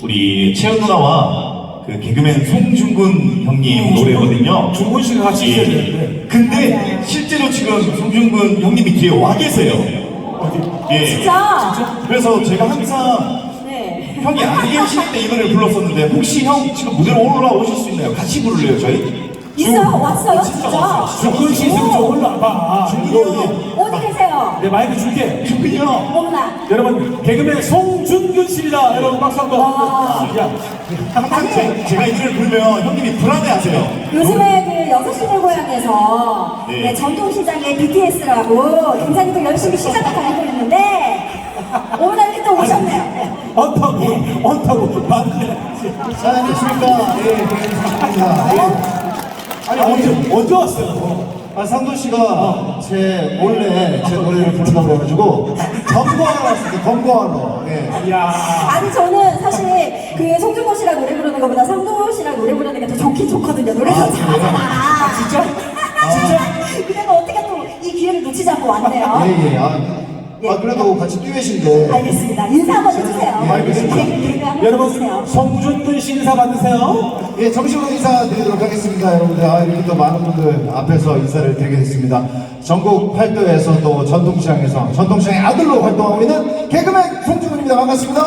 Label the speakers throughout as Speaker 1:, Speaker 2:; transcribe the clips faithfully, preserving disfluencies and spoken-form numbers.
Speaker 1: 우리 채연 누나와 그 개그맨 송중근 형님 노래거든요.
Speaker 2: 중근 씨가 같이 있어야 되는데.
Speaker 1: 근데 실제로 지금 송중근 형님이 뒤에 와 계세요.
Speaker 2: 어디?
Speaker 1: 예.
Speaker 3: 진짜?
Speaker 1: 그래서 제가 항상
Speaker 3: 네.
Speaker 1: 형이 안 계실 때 이 노래를 불렀었는데 혹시 형 지금 무대로 올라오실 수 있나요? 같이 부를래요 저희?
Speaker 3: 있어요? 왔어요?
Speaker 1: 진짜
Speaker 3: 진짜?
Speaker 1: 왔어요.
Speaker 2: 중근 씨 있으면 좀 올라와봐.
Speaker 1: 중근이 형.
Speaker 3: 어디 계세요?
Speaker 2: 내 마이크 줄게.
Speaker 1: 중근이 형.
Speaker 3: 어머나.
Speaker 2: 여러분, 개그맨 송중근 씨입니다. 여러분, 박수 한 번.
Speaker 3: 와.
Speaker 2: 야,
Speaker 1: 항상 제, 제가 이 노래를 부르면 형님이 불안해하세요.
Speaker 3: 요즘에 그 여섯 시내 고향에서
Speaker 1: 네.
Speaker 3: 네, 전통시장의 비티에스라고 굉장히 또 열심히 시장을 다니고 있는데 어머나 이렇게 또 오셨네요.
Speaker 2: 언타고, 언타고, 맞네.
Speaker 4: 자, 안녕하십니까. 예, 반갑습니다. 예.
Speaker 2: 아니, 언제, 언제 왔어요?
Speaker 4: 아, 상도 씨가 제 몰래 제 노래를 부른다고 그래가지고 검거하러 왔어요. 검거하러. 예.
Speaker 2: 이야.
Speaker 3: 아니 저는 사실 그 송중근 씨랑 노래 부르는 것보다 상도 씨랑 노래 부르는 게 더 좋긴 좋거든요. 노래가
Speaker 4: 아, 그래요?
Speaker 3: 잘하잖아.
Speaker 2: 진짜?
Speaker 3: 진짜? 근데 뭐 어떻게 또 이 기회를 놓치지 않고 왔네요.
Speaker 4: 예, 예. 아, 아, 그래도 같이 듀엣인데.
Speaker 3: 알겠습니다. 인사 한번 해주세요.
Speaker 4: 예, 알겠습니다.
Speaker 3: 개그, 개그 한번
Speaker 2: 여러분,
Speaker 3: 해주세요.
Speaker 2: 송중근 씨 인사 받으세요.
Speaker 4: 예, 정식으로 인사드리도록 하겠습니다. 여러분들, 아, 이렇게 또 많은 분들 앞에서 인사를 드리게 됐습니다. 전국 팔도에서 또 전통시장에서 전통시장의 아들로 활동하고 있는 개그맨 송중근입니다. 반갑습니다.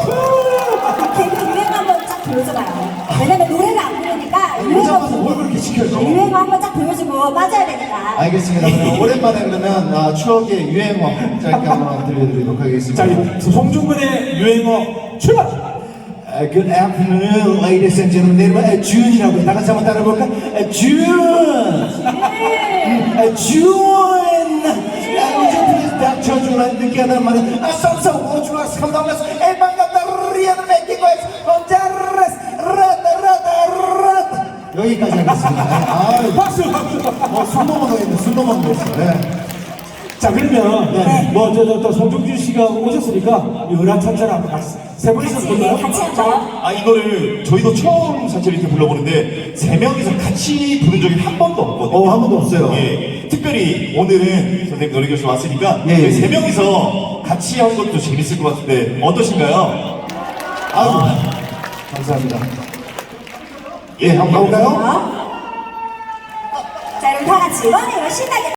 Speaker 3: 개그 유행 한번 쫙 보여줘봐요. 왜냐면 노래를 안 부르니까 유행
Speaker 4: 혼자서
Speaker 3: 한번
Speaker 4: 뭘 그렇게 시켜줘?
Speaker 3: 유행 한번 쫙 보여주고 빠져야 되니까.
Speaker 4: 알겠습니다. 그러면 오랜만에 그러면 아, 추억의 유행어 짧게 한번 들려드리도록 하겠습니다.
Speaker 2: 자, 이 송중근의 유행어 출발!
Speaker 4: Uh, good afternoon, ladies and gentlemen. 내 이름은 준이라고 해. 다 같이 한번 따라해볼까? Uh, 준! Uh, 준! Would you please 닥쳐주라 느끼하는 말은 아, 썸썸, would you like to come down? Let's hey, 반갑다, 리아는 맥기고 해서 혼자라스, 라다, 라다, 라다. 여기까지 하겠습니다. 아,
Speaker 2: 박수, 박수!
Speaker 4: 뭐, 술 넘어가겠네, 술 넘어가겠어. 네.
Speaker 2: 자, 그러면,
Speaker 3: 네.
Speaker 2: 뭐, 저, 저, 또 송중준 씨가 오셨으니까, 유라찬찬 한번 같이, 세 분이서
Speaker 3: 같이, 네,
Speaker 2: 불러요?
Speaker 3: 같이 한번.
Speaker 1: 아, 이 노래를 저희도 처음 사실 이렇게 불러보는데 세 명이서 같이 부른 적이 한 번도 없거든요.
Speaker 4: 어, 한 번도 없어요.
Speaker 1: 예, 특별히 오늘은 선생님 노래교실 왔으니까
Speaker 4: 예,
Speaker 1: 저희
Speaker 4: 예.
Speaker 1: 세 명이서 같이 하는 것도 재밌을 것 같은데 어떠신가요?
Speaker 4: 아유, 감사합니다. 예, 한번 가볼까요?
Speaker 3: 자, 그럼 다 같이 원해요. 신나게.